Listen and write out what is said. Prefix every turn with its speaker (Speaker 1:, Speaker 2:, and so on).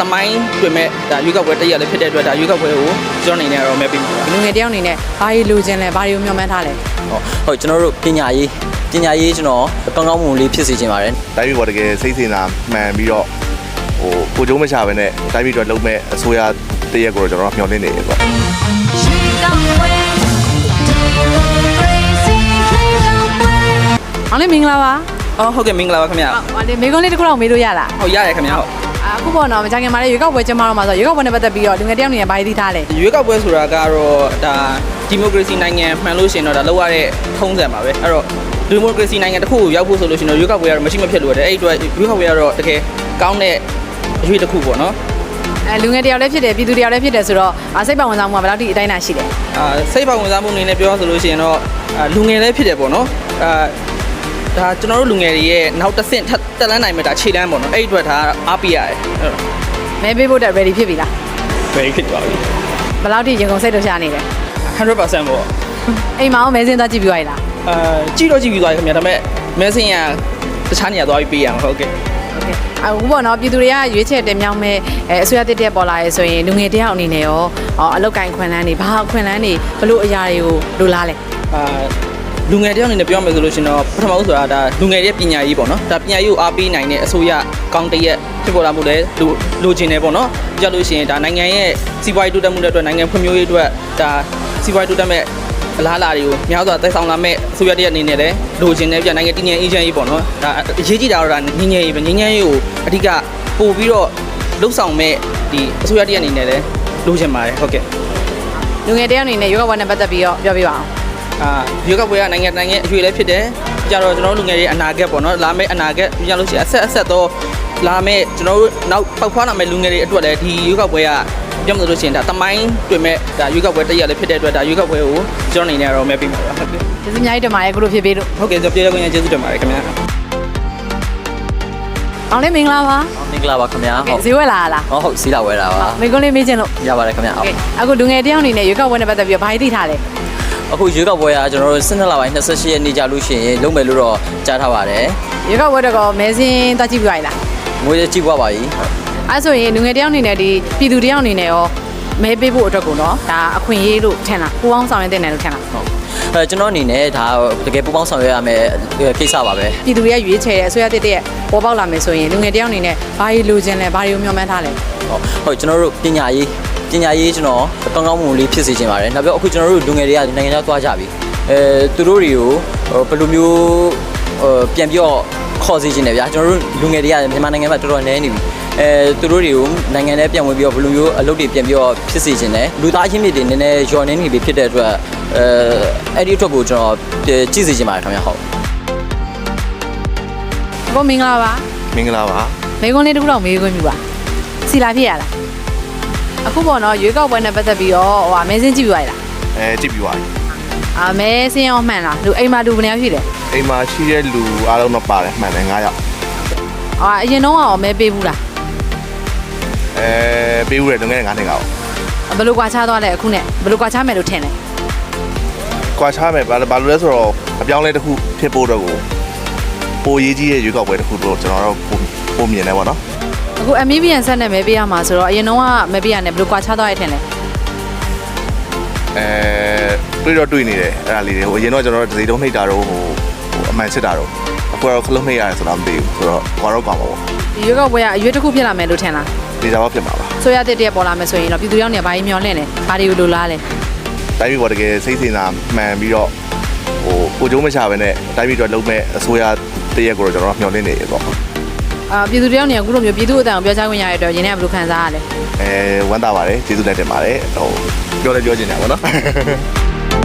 Speaker 1: တမိုင်းတွင်မဲ့ဒါရွေးကောက်ပွဲတရက်လည်းဖြစ်တဲ့အတွက်ဒါရွေးကောက်ပွဲကိုကျွန်တော်အနေနဲ့တော့မဲပေးမှာပါ
Speaker 2: လူငယ်တယောက်အနေနဲ့ဘာတွေလိုချင်လဲဘာတွေကိုမျှော်မှန်းထားလဲ
Speaker 3: ဟုတ်ကျွန်တော်တို့ပညာရေးကျွန်တော်ကောင်းကောင်းမွန်လေးဖြစ်စေချင်ပါတယ်
Speaker 4: တိုင်းပြည်ပေါ်တကယ်စိတ်စင်တာမှန်ပြီးတော့ကိုကျုံးမချပဲနဲ့တိုင်းပြည်အတွက်လုံးမဲ့အစိုးရတရက်ကိုကျွန်တော်မျှော်လင့်နေတယ်ပေါ့
Speaker 2: အောင်လေးမင်္ဂလာပါ
Speaker 1: ဟုတ်ကဲ့မင်္ဂလာပါခင်ဗျာ
Speaker 2: ဟုတ်တယ်မိကုန်းလေးတစ်ခုတော့မေးလို့ရလား
Speaker 1: ဟုတ်ရတယ်ခင်ဗျာဟုတ်
Speaker 2: အခုပေါ့နော်မကြခင်မှာလည်းရွေးကောက်ပွဲကျင်းပတော့မှာဆိုရွေးကောက်ပွဲနဲ့ပတ်သက်ပြီးတော့လူငယ်တယောက်အနေနဲ့ဘာတွေသိထားလဲ
Speaker 1: ရွေးကောက်ပွဲဆိုတာကတော့ဒါဒီမိုကရေစီနိုင်ငံမှန်လို့ရှိရင်တော့ဒါလောက်ရတဲ့ထုံးစံပါပဲအဲ့တော့ဒီမိုကရေစီနိုင်ငံတစ်ခုကိုရောက်ဖို့ဆိုလို့ရှိရင်တော့ရွေးကောက်ပွဲကတော့မရှိမဖြစ်လို့ရတယ်အဲ့ဒီအတွက်ရွေးကောက်ပွဲကတော့တကယ်ကောင်းတဲ့အရွေးတစ်ခုပေါ့နော်
Speaker 2: လူငယ်တယောက်လည်းဖြစ်တယ်ပြည်သူတယောက်လည်းဖြစ်တယ်ဆိုတော့စိတ်ပါဝင်စားမှုကဘယ်လောက်ထိအတိုင်းအတာရှိလဲ
Speaker 1: စိတ်ပါဝင်စားမှုအနေနဲ့ပြောဆိုလို့ရှိရင်တော့လူငယ်လည်းဖြစ်တယ်ပေါ့နော်ဒါကျွန်တော်တို့လူငယ်တွေရဲ့နောက်တစ်ဆင့်တက်လန်းနိုင်မဲ့ဒါခြေလမ်းပေါ့နော်အဲ့ဒီအတွက်ဒါအားပေးရတယ်
Speaker 2: မဲပေးဖို့တက် ready ဖြစ်ပြီလား
Speaker 1: very ဖြစ်သွားပြီ
Speaker 2: ဘယ်လောက်ထိရင်ကုန်စိတ်လှုပ်ရှားနေလဲ
Speaker 1: 100% ပေါ့
Speaker 2: အိမ်မှာအောင်မဲစင်းသွားကြည့်ပြီးသွားပြီလား
Speaker 1: ကြည့်တော့ကြည့်ပြီးသွားပြီခင်ဗျာဒါပေမဲ့မဲစင်ရတခြားနေရာသွားပြီးပေးရမှာဟုတ်ကဲ့
Speaker 2: အခုပေါ့နော်ပြည်သူတွေကရွေးချယ်တင်မြှောက်မဲ့အစိုးရတစ်တက်ပေါ်လာရဲဆိုရင်လူငယ်တယောက်အနေနဲ့ရောအလောက်ကင်ခွင့်လန်းတွေဘာခွင့်လန်းတွေဘလို့အရာတွေကိုလိုလားလဲ
Speaker 1: လူငယ်တယောက်အနေနဲ့ပြောမယ်ဆိုလို့ရှိရင်တော့ပထမဦးဆိုတာဒါလူငယ်ရဲ့ပညာရေးပေါ့နော်ဒါပညာရေးကိုအားပေးနိုင်တဲ့အစိုးရကောင်းတရက်ဖြစ်ပေါ်လာမှုလည်းလိုချင်တယ်ပေါ့နော်ကြည့်လို့ရှိရင်ဒါနိုင်ငံရဲ့စီးပွားရေးတိုးတက်မှုတွေအတွက်နိုင်ငံဖွံ့ဖြိုးရေးအတွက်ဒါစီးပွားရေးတိုးတက်မဲ့အလားအလာတွေကိုများစွာတိုက်ဆောင်လာမဲ့အစိုးရတရက်အနေနဲ့လည်းလိုချင်တယ်ပြနိုင်ငံတည်ငြိမ်အေးချမ်းရေးပေါ့နော်ဒါအရေးကြီးတာတော့ဒါငြိမ်းချမ်းရေးပဲငြိမ်းချမ်းရေးကိုအဓိကပို့ပြီးတော့လှုပ်ဆောင်မဲ့ဒီအစိုးရတရက်အနေနဲ့လည်းလိုချင်ပါတယ်ဟုတ်ကဲ့
Speaker 2: လူငယ်တယောက်အနေနဲ့ရွေးကောက်ပွဲနဲ့ပတ်သက်ပြီးတော့ပြောပြပါအောင်
Speaker 1: ရွေးကောက်ပွဲကနိုင်ငံရဲ့အရွေလည်းဖြစ်တယ်ကြတော့ကျွန်တော်တို့လူငယ်တွေအနာဂတ်ပေါ့နော်လာမယ့်အနာဂတ်ပြလို့ရှိရင်အဆက်တော့လာမယ့်ကျွန်တော်တို့နောက်ပေါက်ဖွားလာမယ့်လူငယ်တွေအတွက်လည်းဒီရွေးကောက်ပွဲကပြောမှလို့ရှိရင်ဒါတမိုင်းတွင်မဲ့ဒါရွေးကောက်ပွဲတရက်လည်းဖြစ်တဲ့အတွက်ဒါရွေးကောက်ပွဲကိုကျွန်တော်အနေနဲ့တော့မဲပေးမှာပါဟုတ်ကဲ့
Speaker 2: ကျေးဇူးအများကြီးတင်ပါတယ်ခုလိုဖြစ်ပေးလို့
Speaker 1: ဟုတ်ကဲ့ကျွန်တော်ပြေရခွင့်ရကျေးဇူးတင်ပါတယ်ခင်ဗျာ
Speaker 2: အောင်လေးမင်္ဂလာပါ
Speaker 3: မင်္ဂလာပါခင်ဗျာ
Speaker 2: ဈေးဝယ်လာလား
Speaker 3: ဟုတ်စီးလာဝဲတာပါ
Speaker 2: မိကုန်းလေးမေးချင်လို့
Speaker 3: ရပါတယ်ခင်ဗျာ
Speaker 2: အခုလူငယ်တယောက်အနေနဲ့ရွေးကောက်ပွဲနဲ့ပတ်သက်ပြီးတော့ဘာတွေသိထားလဲ
Speaker 3: အခုရွေးကောက်ပွဲကကျွန်တော်တို့12လပိုင်း28ရက်နေ့ကြာလို့ရှိရင်လုံးမယ်လို့တော့ကြားထားပါတယ်
Speaker 2: ရွေးကောက်ပွဲတော့မဲစင်းသွားကြည့်ပြီးသွားပြီလား
Speaker 3: ငွေကြည့်ပွားပါပြီ
Speaker 2: အဲဆိုရင်လူငယ်တယောက်အနေနဲ့ဒီပြည်သူတယောက်အနေနဲ့ရောမဲပေးဖို့အတွက်ကိုတော့ဒါအခွင့်အရေးလို့ထင်လားပူပေါင်းဆောင်ရွက်တဲ့နယ်လို့ထင်လား
Speaker 3: ဟုတ်ကျွန်တော်အနေနဲ့ဒါတကယ်ပူပေါင်းဆောင်ရွက်ရမယ်ကိစ္စပါပဲ
Speaker 2: ပြည်သူတွေကရွေးချယ်တဲ့အစိုးရတစ်ရဲ့ပေါ်ပေါက်လာမယ်ဆိုရင်လူငယ်တယောက်အနေနဲ့ဘာတွေလိုချင်လဲဘာတွေကိုမျှော်မှန်းထားလဲ
Speaker 3: ဟုတ်ကျွန်တော်တို့ပညာရေးကျွန်တော်ကောင်းကောင်းမွန်လေးဖြစ်စေချင်ပါတယ်နောက်ပြီးအခုကျွန်တော်တို့လူငယ်တွေကနိုင်ငံခြားသွားကြပြီသူတို့တွေကိုဘယ်လိုမျိုးပြန်ပြီးတော့ခေါ်စေချင်တယ်ဗျာကျွန်တော်တို့လူငယ်တွေကမြန်မာနိုင်ငံမှာတော်တော်နည်းနေပြီသူတို့တွေကိုနိုင်ငံထဲပြန်ဝင်ပြီးတော့ဘယ်လိုမျိုးအလုပ်တွေပြန်ပြီးတော့ဖြစ်စေချင်တယ်လူသားချင်းတွေနည်းနည်းယော်နေနေပြီဖြစ်တဲ့အတွက်အဲ့ဒီအတွက်ကိုကျွန်တော်ကြည့်စေချင်ပါတယ်ခင်ဗျာဟုတ်
Speaker 2: ကိုမင်္ဂလာပါ
Speaker 4: မင်္ဂလာပါ
Speaker 2: မိကုန်းလေးတစ်ခုတော့မေးခွင့်ပြုပါစီလာဖြစ်ရလားအခုပေါ့နော်ရွေးကောက်ပွဲနဲ့ပတ်သက်ပြီးတော့မဲစင်းကြည့်ပြီးသွားပြီလား
Speaker 4: ကြည့်ပြီးပါပြီ
Speaker 2: မဲစင်းရောမှန်လားလူအိမ်မှာလူဘယ်နှယောက်ရှိလဲ
Speaker 4: အိမ်မှာရှိတဲ့လူအားလုံးတော့ပါတယ်မှန်တယ်9ယောက်
Speaker 2: အရင်တော့ရောမဲပေးဘူးလား
Speaker 4: ပေးဦးတယ်ငွေ9နှစ်ကော
Speaker 2: ဘယ်လိုကွာခြားသွားလဲအခုနဲ့ဘယ်လိုကွာခြားမယ်လို့ထင်လဲ
Speaker 4: ကွာချမယ်ဘာလို့လဲဆိုတော့အပြောင်းလဲတစ်ခုဖြစ်ဖို့တော့ကိုပိုရေးကြီးရဲ့ရွေးကောက်ပွဲတစ်ခုတော့ကျွန်တော်တို့ပုံမြင်တယ်ပေါ့နော်
Speaker 2: အခု MVN ဆက်နဲ့မဲပေးရမှာဆိုတော့အရင်တော့ကမဲပေးရတယ်ဘယ်လိုကွာခြားသွားရထင်လဲ
Speaker 4: တွေ့တော့တွေ့နေတယ်အဲ့ဒါလေးတွေဟိုအရင်တော့ကျွန်တော်တို့ဒီတုံးနှိပ်တာတော့ဟိုအမှန်စစ်တာတော့အခုတော့ခလုံးနှိပ်ရတယ်ဆိုတော့မသိဘူးဆိုတော့ကွာတော့ကွာပါပေါ့
Speaker 2: ဒီရွေးကောက်ပွဲကအရွေးတစ်ခုဖြစ်လာမယ်လို့ထင်လား
Speaker 4: ဒီစားတော့ဖြစ်မှာပါ
Speaker 2: ဆိုရတဲ့တည်းပေါ်လာမယ်ဆိုရင်တော့ပြည်သူရောက်နေဘာကြီးမျောလင့်လဲဘာတွေကိုလိုလားလဲ
Speaker 4: တိုင်းပြည်ပေါ်တကယ်စိတ်စင်တာမှန်ပြီးတော့ကိုကျုံးမချပဲနဲ့တိုင်းပြည်အတွက်လုံးမဲ့အစိုးရတရက်ကိုတော့ကျွန်တော်မျှော်လင့်နေရပေါ့
Speaker 2: ပြည်သူတယောက်နေအခုလိုမျိုးပြည်သူအတန်ကိုပြောချခွင့်ရတဲ့အတွက်ရင်းနဲ့ဘယ်လိုခံစားရလဲ
Speaker 4: ဝမ်းသာပါတယ်ကျေးဇူးတင်ပါတယ်ဟိုပြောလဲပြောချင်တာပေါ့နော်